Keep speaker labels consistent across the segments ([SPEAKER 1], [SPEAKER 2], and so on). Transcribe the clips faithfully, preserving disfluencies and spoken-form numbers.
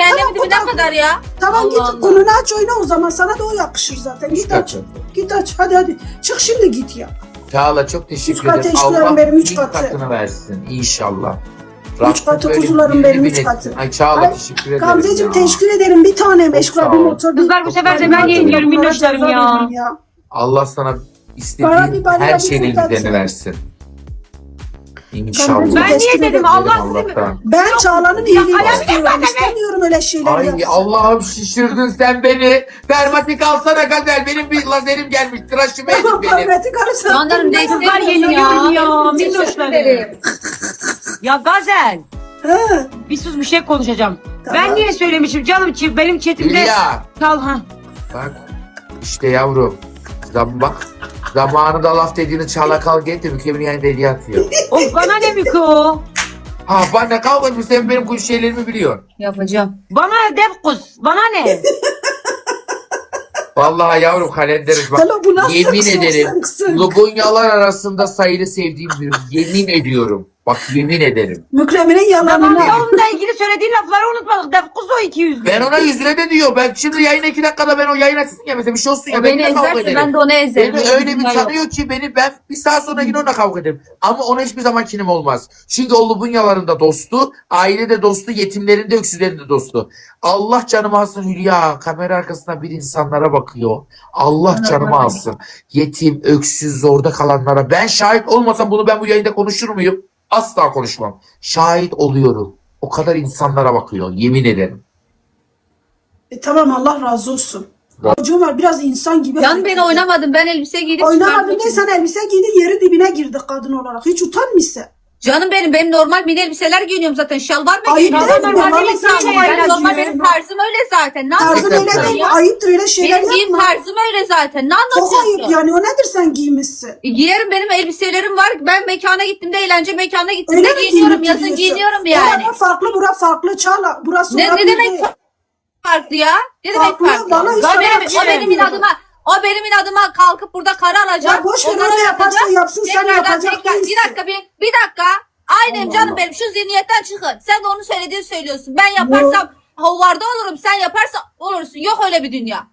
[SPEAKER 1] Cehennemin dibine
[SPEAKER 2] tamam,
[SPEAKER 1] kadar ya.
[SPEAKER 2] Tamam
[SPEAKER 1] Allah
[SPEAKER 2] git
[SPEAKER 1] Allah.
[SPEAKER 2] konunu aç oyna o zaman. Sana da o yakışır zaten. Git aç.
[SPEAKER 3] katı.
[SPEAKER 2] Git aç. Hadi hadi. Çık şimdi git ya.
[SPEAKER 3] Çağla çok teşekkür
[SPEAKER 2] Üç katı
[SPEAKER 3] ederim.
[SPEAKER 2] eşyalarım
[SPEAKER 3] Allah
[SPEAKER 2] benim, üç
[SPEAKER 3] bin
[SPEAKER 2] katı.
[SPEAKER 3] katını versin inşallah.
[SPEAKER 2] Üç katı
[SPEAKER 3] böyle
[SPEAKER 2] kuzularım
[SPEAKER 3] birini
[SPEAKER 2] benim,
[SPEAKER 3] bin
[SPEAKER 2] üç
[SPEAKER 3] etsin.
[SPEAKER 2] katı.
[SPEAKER 3] Ay Çağla
[SPEAKER 2] Ay,
[SPEAKER 3] teşekkür ederim
[SPEAKER 2] Gamzeciğim
[SPEAKER 3] ya.
[SPEAKER 2] teşekkür ederim. Bir tanem
[SPEAKER 3] Çok
[SPEAKER 2] eşkıya
[SPEAKER 3] sağ
[SPEAKER 2] bir
[SPEAKER 3] ol.
[SPEAKER 2] motor.
[SPEAKER 4] Kızlar bu sefer de ben
[SPEAKER 3] Çok
[SPEAKER 4] yeniliyorum
[SPEAKER 2] Bana
[SPEAKER 4] minnoşlarım
[SPEAKER 2] ceza
[SPEAKER 4] ya.
[SPEAKER 2] verin ya.
[SPEAKER 3] Allah sana
[SPEAKER 2] Bana
[SPEAKER 3] istediğin
[SPEAKER 2] bir bana
[SPEAKER 3] her
[SPEAKER 2] bir
[SPEAKER 3] şeyin
[SPEAKER 2] kurtarsın.
[SPEAKER 3] üzerine versin. İnşallah.
[SPEAKER 2] Ben
[SPEAKER 4] Ben
[SPEAKER 2] Teşekkür
[SPEAKER 4] niye dedim
[SPEAKER 2] ederim.
[SPEAKER 4] Allah sizi mi?
[SPEAKER 3] Allah'tan.
[SPEAKER 2] Ben Çağla'nın
[SPEAKER 4] Ya,
[SPEAKER 2] iyiliğini
[SPEAKER 4] kalem
[SPEAKER 2] istiyorum. İstemiyorum öyle şeyler
[SPEAKER 3] Ay
[SPEAKER 2] yapsın.
[SPEAKER 3] Allah'ım şişirdin sen beni. Dermatik alsana Gazel. Benim bir lazerim gelmiş. Tıraşımı edin
[SPEAKER 2] Tamam
[SPEAKER 3] benim.
[SPEAKER 2] kavmeti karısı.
[SPEAKER 1] Canlarım
[SPEAKER 4] Kızlar
[SPEAKER 1] destek
[SPEAKER 4] yeniyorum ya
[SPEAKER 1] Teşekkür
[SPEAKER 4] minnoşlarım.
[SPEAKER 1] ederim.
[SPEAKER 4] Ya Gazel.
[SPEAKER 2] He,
[SPEAKER 4] Bir sus bir şey konuşacağım.
[SPEAKER 2] Tamam.
[SPEAKER 4] Ben niye söylemişim canım çi- benim chatimde.
[SPEAKER 3] Hülya.
[SPEAKER 4] Kal ha.
[SPEAKER 3] Bak işte yavrum. Zam bak. Zamanında laf dediğini Çağla kal getir. Mükemmel yani hediye atıyor.
[SPEAKER 4] Of bana ne Miko?
[SPEAKER 3] Ha bana kavga etmiş. Sen benim kuş şeylerimi biliyorsun.
[SPEAKER 1] Yapacağım.
[SPEAKER 4] Bana dev kuz. Bana ne?
[SPEAKER 3] Vallahi yavrum kalenderiz bak.
[SPEAKER 2] Hello, bu nasıl
[SPEAKER 3] Yemin
[SPEAKER 2] kısım,
[SPEAKER 3] ederim.
[SPEAKER 2] kısım, kısım?
[SPEAKER 3] Lugunyalar arasında sayılı sevdiğim bir yemin ediyorum. Bak yemin ederim.
[SPEAKER 2] Mükremin'in yalanını.
[SPEAKER 4] Tamam onunla ilgili söylediğin lafları unutmadık. Dev kuz o iki yüzlü.
[SPEAKER 3] Ben ona yüz lira de diyor. Ben şimdi yayına iki dakikada ben o yayın açsın ya mesela bir şey olsun ya.
[SPEAKER 1] O
[SPEAKER 3] ben
[SPEAKER 1] beni
[SPEAKER 3] yine kavga
[SPEAKER 1] ezerse
[SPEAKER 3] ederim.
[SPEAKER 1] ben de onu ezerim.
[SPEAKER 3] Beni
[SPEAKER 1] Öyle
[SPEAKER 3] öyle bir
[SPEAKER 1] dünya yok.
[SPEAKER 3] tanıyor ki beni ben bir saat sonra yine onunla kavga ederim. Ama ona hiçbir zaman kinim olmaz. Çünkü o Lubunyaların da dostu, ailede dostu, yetimlerin de öksüzlerin de dostu. Allah canımı alsın Hülya. Kamera arkasında bir insanlara bakıyor. Allah canımı alsın. Yetim, öksüz, zorda kalanlara. Ben şahit olmasam bunu ben bu yayında konuşur muyum? Asla konuşmam. Şahit oluyorum. O kadar insanlara bakıyor. Yemin ederim.
[SPEAKER 2] E, tamam Allah razı olsun. Çocuğum var biraz insan gibi.
[SPEAKER 1] Can ben oynamadım. Ben elbise giydim.
[SPEAKER 2] Oynamadın
[SPEAKER 1] çıkardım.
[SPEAKER 2] ne sen elbise giydin yeri dibine girdik kadın olarak. Hiç utanmışsın.
[SPEAKER 1] Canım benim benim normal mini elbiseler giyiniyorum zaten. Şalvar mı
[SPEAKER 2] Ayıp
[SPEAKER 1] giyiniyorum?
[SPEAKER 2] değil mi?
[SPEAKER 1] Normal
[SPEAKER 2] Vallahi
[SPEAKER 1] değil
[SPEAKER 2] sen
[SPEAKER 1] zaten.
[SPEAKER 2] çok
[SPEAKER 1] Ben
[SPEAKER 2] ayıp
[SPEAKER 1] normal
[SPEAKER 2] ediyorsun.
[SPEAKER 1] benim tarzım öyle zaten. Ne
[SPEAKER 2] Tarzın öyle
[SPEAKER 1] anlatıyorsun
[SPEAKER 2] değil mi?
[SPEAKER 1] ya?
[SPEAKER 2] Ayıptır öyle şeyler
[SPEAKER 1] Benim giyim
[SPEAKER 2] yapma.
[SPEAKER 1] tarzım öyle zaten. Ne
[SPEAKER 2] Çok ayıp
[SPEAKER 1] anlatıyorsun?
[SPEAKER 2] yani o nedir sen giymişsin?
[SPEAKER 1] E, Giyerim benim elbiselerim var. Ben mekana gittiğimde eğlence mekanına
[SPEAKER 2] Öyle
[SPEAKER 1] gittiğimde
[SPEAKER 2] mi
[SPEAKER 1] giyiniyorum.
[SPEAKER 2] giyinip
[SPEAKER 1] Yazın
[SPEAKER 2] gidiyorsun?
[SPEAKER 1] giyiniyorum yani.
[SPEAKER 2] Orada farklı bura farklı Çağla. Burası
[SPEAKER 1] Ne,
[SPEAKER 2] orada
[SPEAKER 1] ne demek
[SPEAKER 2] değil.
[SPEAKER 1] farklı ya? Ne demek
[SPEAKER 2] Farklı,
[SPEAKER 1] farklı?
[SPEAKER 2] bana hiç
[SPEAKER 1] O
[SPEAKER 2] öyle
[SPEAKER 1] benim,
[SPEAKER 2] bir şey
[SPEAKER 1] o benim
[SPEAKER 2] demiyorum.
[SPEAKER 1] inadıma o benim inadıma kalkıp burada kara alacak.
[SPEAKER 2] Ya boş ver
[SPEAKER 1] ondan
[SPEAKER 2] o ne yaparsa
[SPEAKER 1] yapacak.
[SPEAKER 2] yapsın sen
[SPEAKER 1] Tekrardan
[SPEAKER 2] yapacak
[SPEAKER 1] tekrar-
[SPEAKER 2] değilsin.
[SPEAKER 1] Bir dakika bir, bir dakika. Aynen canım benim şu zihniyetten çıkın. Sen de onu söylediğini söylüyorsun. Ben yaparsam hovarda olurum. Sen yaparsan olursun. Yok öyle bir dünya.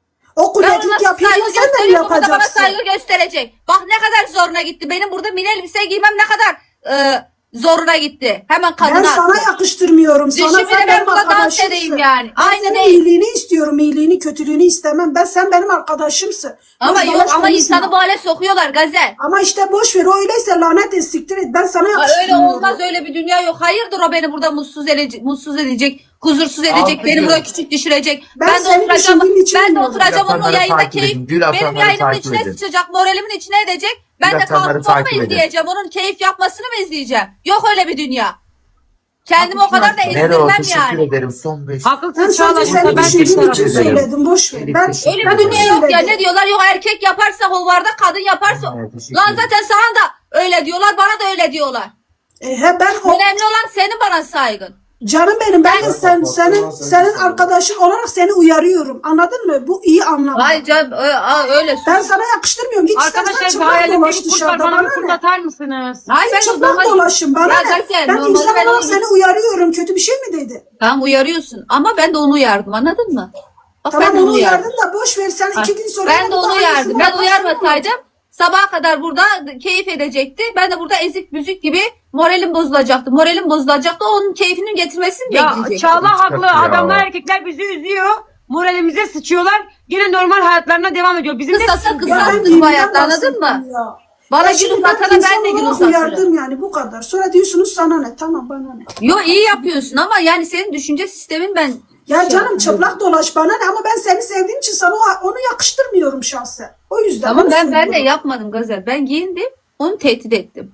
[SPEAKER 2] O
[SPEAKER 1] Ben ona
[SPEAKER 2] kulacık
[SPEAKER 1] nasıl
[SPEAKER 2] yapıyorsa
[SPEAKER 1] saygı
[SPEAKER 2] sen de mi
[SPEAKER 1] gösteriyorsam o da bana
[SPEAKER 2] yapacaksın?
[SPEAKER 1] saygı gösterecek. Bak ne kadar zoruna gitti. Benim burada mini elbise giymem ne kadar e, zoruna gitti. Hemen kadına
[SPEAKER 2] Ben sana
[SPEAKER 1] attı.
[SPEAKER 2] yakıştırmıyorum. Sana
[SPEAKER 1] Düşün bile
[SPEAKER 2] sen
[SPEAKER 1] ben
[SPEAKER 2] benim
[SPEAKER 1] burada dans
[SPEAKER 2] arkadaşımsın.
[SPEAKER 1] edeyim yani.
[SPEAKER 2] Ben
[SPEAKER 1] Aynı
[SPEAKER 2] senin
[SPEAKER 1] değil.
[SPEAKER 2] iyiliğini istiyorum. İyiliğini, kötülüğünü istemem. Ben sen benim arkadaşımsın.
[SPEAKER 1] Ama
[SPEAKER 2] Boş
[SPEAKER 1] yok
[SPEAKER 2] dolaş
[SPEAKER 1] ama
[SPEAKER 2] konuşma.
[SPEAKER 1] insanı bu hale sokuyorlar Gazel.
[SPEAKER 2] Ama işte boş ver. O öyleyse lanet et, siktir et. Ben sana
[SPEAKER 1] Ha, öyle
[SPEAKER 2] yakıştırmıyorum.
[SPEAKER 1] olmaz öyle bir dünya yok. Hayırdır o beni burada mutsuz edecek, mutsuz edecek, huzursuz edecek,
[SPEAKER 3] Altı
[SPEAKER 1] beni
[SPEAKER 3] gün.
[SPEAKER 1] burada küçük düşürecek.
[SPEAKER 2] Ben
[SPEAKER 1] Ben, de
[SPEAKER 2] seni
[SPEAKER 1] oturacağım,
[SPEAKER 2] düşündüğüm için
[SPEAKER 1] ben de
[SPEAKER 2] bilmiyorum.
[SPEAKER 1] oturacağım onun
[SPEAKER 3] Yapanları
[SPEAKER 1] yayında
[SPEAKER 3] takip
[SPEAKER 1] keyif,
[SPEAKER 3] edin. Gül
[SPEAKER 1] benim
[SPEAKER 3] atanları
[SPEAKER 1] yayınımın
[SPEAKER 3] takip
[SPEAKER 1] içine
[SPEAKER 3] edin.
[SPEAKER 1] sıçacak, moralimin içine edecek. Ben
[SPEAKER 3] Gül
[SPEAKER 1] de
[SPEAKER 3] atanları
[SPEAKER 1] kalkıp onu mu
[SPEAKER 3] takip edin.
[SPEAKER 1] izleyeceğim, onun keyif yapmasını mı izleyeceğim? Yok öyle bir dünya. Kendimi o kadar da
[SPEAKER 3] Nero
[SPEAKER 1] ezdirmem
[SPEAKER 3] teşekkür
[SPEAKER 1] yani.
[SPEAKER 3] ederim. Son beş.
[SPEAKER 4] Haklısın
[SPEAKER 2] Ben
[SPEAKER 4] Çağla
[SPEAKER 2] sadece
[SPEAKER 4] burada
[SPEAKER 2] seni
[SPEAKER 4] ben
[SPEAKER 2] düşündüğüm
[SPEAKER 4] tek
[SPEAKER 2] için
[SPEAKER 4] tarafındayım.
[SPEAKER 2] söyledim. Boş ver. Ben,
[SPEAKER 3] Teşekkür
[SPEAKER 1] Öyle
[SPEAKER 2] ben
[SPEAKER 1] bir dünya yok ya.
[SPEAKER 2] söyledim.
[SPEAKER 1] Ne diyorlar? Yok erkek yaparsa hovarda, kadın yaparsa.
[SPEAKER 3] Evet, teşekkür
[SPEAKER 1] Lan
[SPEAKER 3] ederim.
[SPEAKER 1] zaten sana da öyle diyorlar, bana da öyle diyorlar.
[SPEAKER 2] E, he, ben o,
[SPEAKER 1] Önemli olan senin bana saygın.
[SPEAKER 2] canım benim ben de
[SPEAKER 1] Ben-
[SPEAKER 2] sen, senin, senin arkadaşın olarak seni uyarıyorum. Anladın mı? Bu iyi anlamda.
[SPEAKER 1] Hayır canım ö- a- öyle.
[SPEAKER 2] Ben sana yakıştırmıyorum. Git istersen
[SPEAKER 4] Arkadaşlar bu
[SPEAKER 2] çıplak
[SPEAKER 4] hayalimdeki
[SPEAKER 2] dolaş
[SPEAKER 4] kurt var
[SPEAKER 2] dışarıda.
[SPEAKER 4] bana
[SPEAKER 2] Bana
[SPEAKER 4] bir kurt
[SPEAKER 2] ne?
[SPEAKER 4] atar mısınız?
[SPEAKER 1] Hayır ben
[SPEAKER 2] Çıplak
[SPEAKER 1] normal-
[SPEAKER 2] dolaşın. Bana
[SPEAKER 1] Ya
[SPEAKER 2] ne?
[SPEAKER 1] Gazel,
[SPEAKER 2] Ben
[SPEAKER 1] normalde
[SPEAKER 2] insan
[SPEAKER 1] ben
[SPEAKER 2] olarak
[SPEAKER 1] onu-
[SPEAKER 2] seni uyarıyorum. Kötü bir şey mi dedi?
[SPEAKER 1] Tamam uyarıyorsun ama ben de onu uyardım anladın mı? Bak
[SPEAKER 2] Tamam
[SPEAKER 1] ben de
[SPEAKER 2] onu
[SPEAKER 1] onu uyardım.
[SPEAKER 2] uyardın da boş ver. Sen iki gün sonra...
[SPEAKER 1] Ben de onu
[SPEAKER 2] daha
[SPEAKER 1] uyardım.
[SPEAKER 2] iyisini
[SPEAKER 1] Ben
[SPEAKER 2] yaparsın.
[SPEAKER 1] uyarmasaydım sabaha kadar burada keyif edecekti. Ben de burada ezik büzük gibi moralim bozulacaktı. Moralim bozulacaktı. Onun keyfinin getirmesini
[SPEAKER 4] Ya
[SPEAKER 1] bekleyecektim.
[SPEAKER 4] Çağla haklı.
[SPEAKER 3] Ya.
[SPEAKER 4] Adamlar erkekler bizi üzüyor. Moralimize sıçıyorlar. Yine normal hayatlarına devam ediyor. Bizim de
[SPEAKER 1] Kısasa
[SPEAKER 2] Ya
[SPEAKER 1] kısastır
[SPEAKER 2] ben
[SPEAKER 1] bu
[SPEAKER 2] dilinden
[SPEAKER 1] hayatta anladın mı?
[SPEAKER 2] bahsettim ya.
[SPEAKER 1] Bana
[SPEAKER 2] Ya
[SPEAKER 1] gül
[SPEAKER 2] şimdi
[SPEAKER 1] uzatana
[SPEAKER 2] ben
[SPEAKER 1] ben de gül
[SPEAKER 2] insan olarak
[SPEAKER 1] uzatırım.
[SPEAKER 2] uyardım yani bu kadar. Sonra diyorsunuz sana ne? Tamam bana ne?
[SPEAKER 1] Yo iyi yapıyorsun ama yani senin düşünce sistemin ben...
[SPEAKER 2] Ya
[SPEAKER 1] şey
[SPEAKER 2] canım
[SPEAKER 1] yapıyorum.
[SPEAKER 2] çıplak dolaş bana ne? Ama ben seni sevdiğim için sana o- onu yakıştırmıyorum şahsen. O yüzden.
[SPEAKER 1] Tamam
[SPEAKER 2] onu
[SPEAKER 1] ben ben de
[SPEAKER 2] söylüyorum.
[SPEAKER 1] yapmadım Gazel. Ben giyindim. Onu tehdit ettim.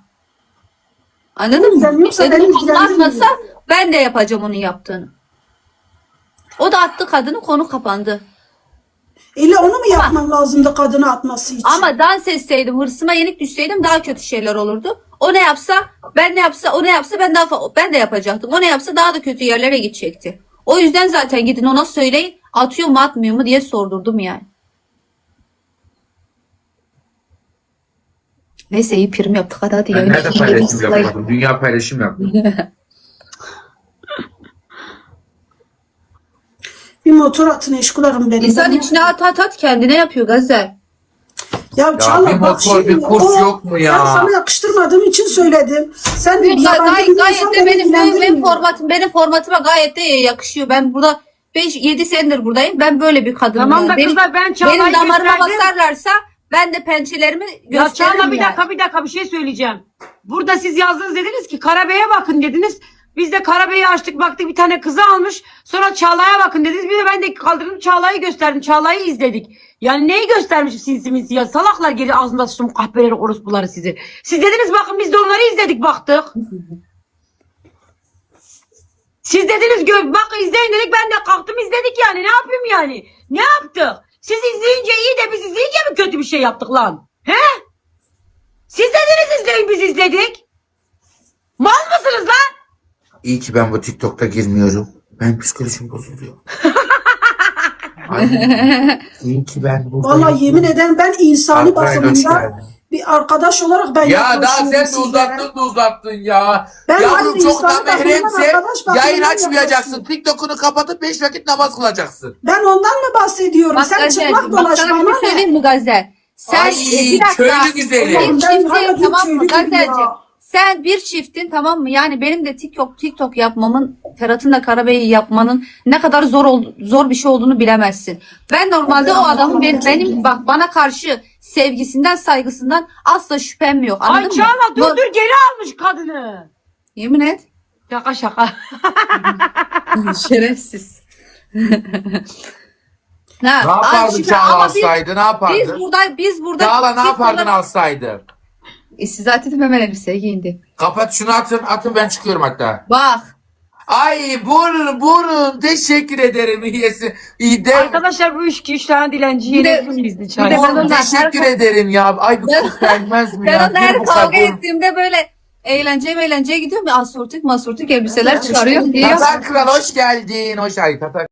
[SPEAKER 1] Anladın
[SPEAKER 2] Sen
[SPEAKER 1] mı?
[SPEAKER 2] yoksa
[SPEAKER 1] Dedim
[SPEAKER 2] beni
[SPEAKER 1] konu atmasa
[SPEAKER 2] ilgilendirmiyor.
[SPEAKER 1] ben de yapacağım onun yaptığını. O da attı kadını, konu kapandı.
[SPEAKER 2] İlle onu mu yapman lazımdı kadını atması için?
[SPEAKER 1] Ama dans etseydim, hırsıma yenik düşseydim daha kötü şeyler olurdu. O ne yapsa, ben ne yapsa, o ne yapsa ben daha fa- ben de yapacaktım. O ne yapsa daha da kötü yerlere gidecekti. O yüzden zaten gidin ona söyleyin, atıyor mu atmıyor mu diye sordurdum yani. Neyse iyi prim yaptık hadi hadi.
[SPEAKER 3] Ben
[SPEAKER 1] yayını
[SPEAKER 3] nerede
[SPEAKER 1] bitirelim,
[SPEAKER 3] paylaşım
[SPEAKER 1] sılayın.
[SPEAKER 3] yapmadım? Dünya paylaşım yaptım.
[SPEAKER 2] motor atın eşkularım benim.
[SPEAKER 1] İnsan
[SPEAKER 2] Ben-
[SPEAKER 1] içine at at at kendine yapıyor Gazel.
[SPEAKER 2] Ya, Çağla
[SPEAKER 3] bir
[SPEAKER 2] bak
[SPEAKER 3] motor,
[SPEAKER 2] şimdi
[SPEAKER 3] bir kurs
[SPEAKER 2] o-
[SPEAKER 3] yok mu ya?
[SPEAKER 2] Ben sana yakıştırmadığım için söyledim. Sen
[SPEAKER 1] Gay-
[SPEAKER 2] yabancı bir
[SPEAKER 1] gayet
[SPEAKER 2] insan
[SPEAKER 1] de
[SPEAKER 2] beni
[SPEAKER 1] benim, benim, benim
[SPEAKER 2] ilgilendirmiyor.
[SPEAKER 1] formatım benim formatıma gayet de yakışıyor. Ben burada beş yedi senedir buradayım. Ben böyle bir kadınım.
[SPEAKER 4] Tamam
[SPEAKER 1] yani.
[SPEAKER 4] da
[SPEAKER 1] benim,
[SPEAKER 4] kızlar, ben Çağla'yı
[SPEAKER 1] benim damarıma
[SPEAKER 4] gösterdim.
[SPEAKER 1] basarlarsa ben de pençelerimi
[SPEAKER 4] Ya
[SPEAKER 1] gösteririm
[SPEAKER 4] Çağla bir
[SPEAKER 1] yani.
[SPEAKER 4] dakika bir dakika bir şey söyleyeceğim. Burada siz yazdınız, dediniz ki Karabey'e bakın dediniz. Biz de Karabey'i açtık, baktık bir tane kızı almış. Sonra Çağla'ya bakın dediniz. Bir de ben de kaldırdım Çağla'yı gösterdim. Çağla'yı izledik. Yani neyi göstermişim sinsi minsi ya? Salaklar, geri ağzımda sıçtım kahpeleri, orospuları sizi. Siz dediniz bakın, biz de onları izledik, baktık. Siz dediniz gö bak izleyin dedik, ben de kalktım izledik yani. Ne yapayım yani? Ne yaptık? Siz izleyince iyi de biz izleyince mi kötü bir şey yaptık lan? He? Siz dediniz izleyin, biz izledik. Mal mısınız lan?
[SPEAKER 3] İyi ki ben bu TikTok'ta girmiyorum. Ben psikolojim bozuluyor. Ay, iyi ki ben buradayım.
[SPEAKER 2] Vallahi yemin ederim ben insani
[SPEAKER 3] Arkadaşlar, hoş
[SPEAKER 2] basımında
[SPEAKER 3] geldin.
[SPEAKER 2] bir arkadaş olarak ben
[SPEAKER 3] Ya daha
[SPEAKER 2] yaklaşıyorum
[SPEAKER 3] sen de
[SPEAKER 2] sizlere.
[SPEAKER 3] uzattın da uzattın ya.
[SPEAKER 2] Ben
[SPEAKER 3] Yavrum
[SPEAKER 2] hayır,
[SPEAKER 3] çok da
[SPEAKER 2] insanı bakımdan
[SPEAKER 3] mehremse
[SPEAKER 2] arkadaş bakımından
[SPEAKER 3] yayın açmayacaksın.
[SPEAKER 2] yaklaşıyorum.
[SPEAKER 3] TikTok'unu kapatıp beş vakit namaz kılacaksın.
[SPEAKER 2] Ben ondan mı bahsediyorum?
[SPEAKER 1] Bak
[SPEAKER 2] Sen
[SPEAKER 1] Gazel,
[SPEAKER 2] çıplak
[SPEAKER 1] bak
[SPEAKER 2] dolaş
[SPEAKER 1] sana bir
[SPEAKER 2] bana
[SPEAKER 1] şey
[SPEAKER 2] ne?
[SPEAKER 1] söyleyeyim mi Gazel? Sen
[SPEAKER 3] Ay,
[SPEAKER 1] e, bir dakika.
[SPEAKER 3] köylü güzeli.
[SPEAKER 1] Bir
[SPEAKER 2] Allah'ım, ben hala
[SPEAKER 1] çiftin
[SPEAKER 2] bir
[SPEAKER 1] tamam mı
[SPEAKER 2] köylü gibi
[SPEAKER 1] Gazelciğim?
[SPEAKER 2] ya.
[SPEAKER 1] Sen bir çiftin tamam mı? Yani benim de TikTok TikTok yapmamın, Ferhat'ın da Karabey'i yapmanın ne kadar zor ol, zor bir şey olduğunu bilemezsin. Ben normalde o adamın benim, benim bak bana karşı sevgisinden, saygısından asla şüphem yok.
[SPEAKER 4] Ay
[SPEAKER 1] Anladın mı?
[SPEAKER 4] Çağla dur
[SPEAKER 1] Bu-
[SPEAKER 4] dur, geri almış kadını.
[SPEAKER 1] Yemin et.
[SPEAKER 4] Şaka şaka.
[SPEAKER 1] Şerefsiz.
[SPEAKER 3] Ne yapardın Çağla alsaydı? Ne yapardın?
[SPEAKER 1] Biz burada biz burada
[SPEAKER 3] Çağla ne
[SPEAKER 1] biz
[SPEAKER 3] yapardın
[SPEAKER 1] burada-
[SPEAKER 3] alsaydı?
[SPEAKER 1] E, siz zaten hemen elbise giyindi.
[SPEAKER 3] Kapat şunu, atın atın, ben çıkıyorum hatta.
[SPEAKER 1] Bak.
[SPEAKER 3] Ay burnum burnum, teşekkür ederim iyisi. İyi de
[SPEAKER 4] Arkadaşlar bu üç, üç tane dilenci
[SPEAKER 1] Bir de-
[SPEAKER 4] yenelim bizdi
[SPEAKER 1] bir
[SPEAKER 4] çay.
[SPEAKER 1] de ben
[SPEAKER 3] Oğlum,
[SPEAKER 1] ondan
[SPEAKER 3] teşekkür
[SPEAKER 1] her-
[SPEAKER 3] ederim ya. Ay bu
[SPEAKER 1] Ben-
[SPEAKER 3] kız gelmez mi
[SPEAKER 1] Ben
[SPEAKER 3] ya?
[SPEAKER 1] onunla her
[SPEAKER 3] Bir bu
[SPEAKER 1] kavga
[SPEAKER 3] kadın.
[SPEAKER 1] ettiğimde böyle eğlenceye eğlenceye gidiyorum ya, asortik masortik elbiseler çıkarıyor diyor.
[SPEAKER 3] Tatar Kral hoş geldin. Hoş geldin Tatar.